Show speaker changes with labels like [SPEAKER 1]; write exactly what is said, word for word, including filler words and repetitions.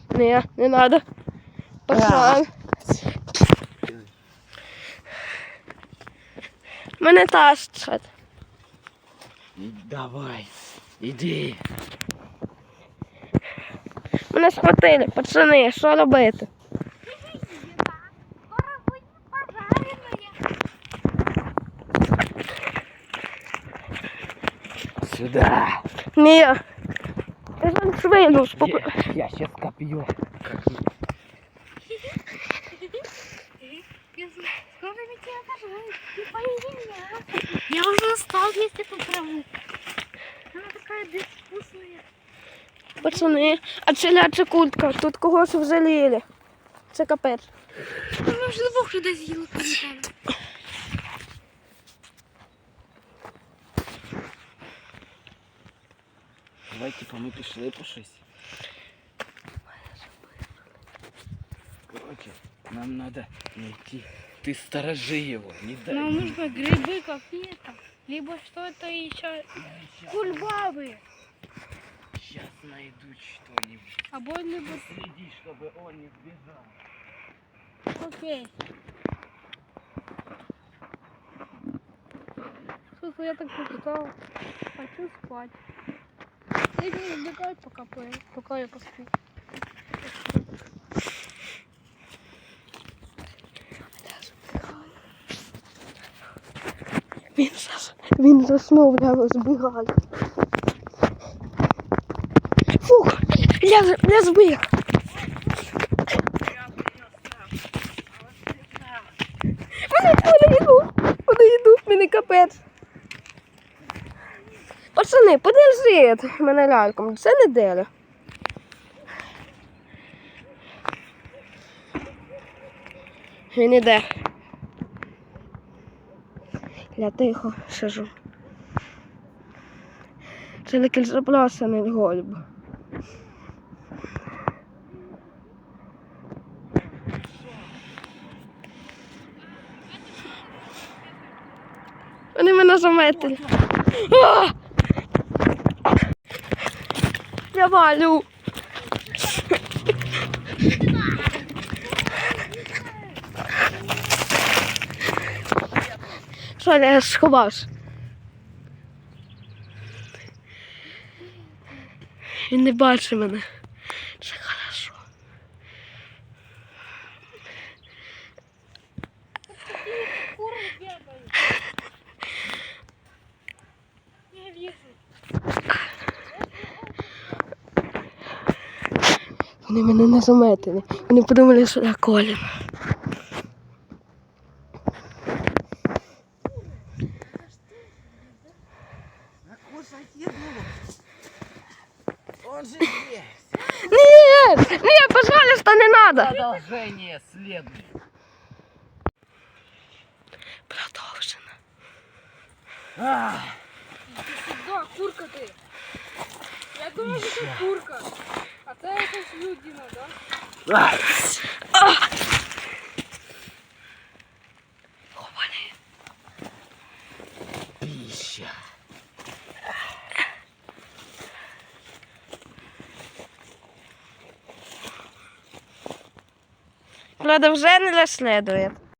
[SPEAKER 1] Не, не надо. Пацан. Мене тащать.
[SPEAKER 2] Давай, іди.
[SPEAKER 1] Мене схватили, пацани, що робити?
[SPEAKER 2] Сюда.
[SPEAKER 1] Ні. Я вам швину споп...
[SPEAKER 2] Я, я сейчас копью.
[SPEAKER 3] Скоро ведь тебя пожарят. Не поеди меня. Я уже устал есть эту траву. Она такая безвкусная.
[SPEAKER 1] Пацани, а челяча куртка, тут когось взаліли. Це капець.
[SPEAKER 3] Ну, вже двох людей з'їли пам'ятаю.
[SPEAKER 2] Давай, типа, мы пішли по щось. Короче, нам надо найти. Ты сторожи его, не дай.
[SPEAKER 3] Нам нужно грибы какие-то. Либо что это еще. Кульбабы.
[SPEAKER 2] Сейчас найду что-нибудь.
[SPEAKER 3] Або либо...
[SPEAKER 2] Следи, чтобы он не сбежал.
[SPEAKER 3] Окей. Слушай, я так устал. Хочу спать. Ты не сбегай, пока, пока я посплю.
[SPEAKER 1] Він, зас... Він заснув, я збігаю. Фух, я, я збіг. Вони, вони йдуть, вони йдуть, мені капець. Пацани, подержіть мене ляльком, це не деля. Він іде. Я тихо сижу. Це такий запласаний голуб. Вони мене заметили. А! Я валю. Що, я сховався? Він не бачить мене. Це хорошо.
[SPEAKER 3] Куры бегают. Я вижу.
[SPEAKER 1] Вони мене не заметили. Вони подумали, що я Колін.
[SPEAKER 2] Кушать еду. Он же здесь.
[SPEAKER 1] Нет! Нет, пожалуйста, не надо!
[SPEAKER 2] Продолжение следует.
[SPEAKER 1] Продовжено.
[SPEAKER 2] А,
[SPEAKER 3] Да, курка ты. Я думаю, что это курка. А це якась людина, да?
[SPEAKER 2] а.
[SPEAKER 1] Ховали.
[SPEAKER 2] Пища.
[SPEAKER 1] Правда, вже не слідує.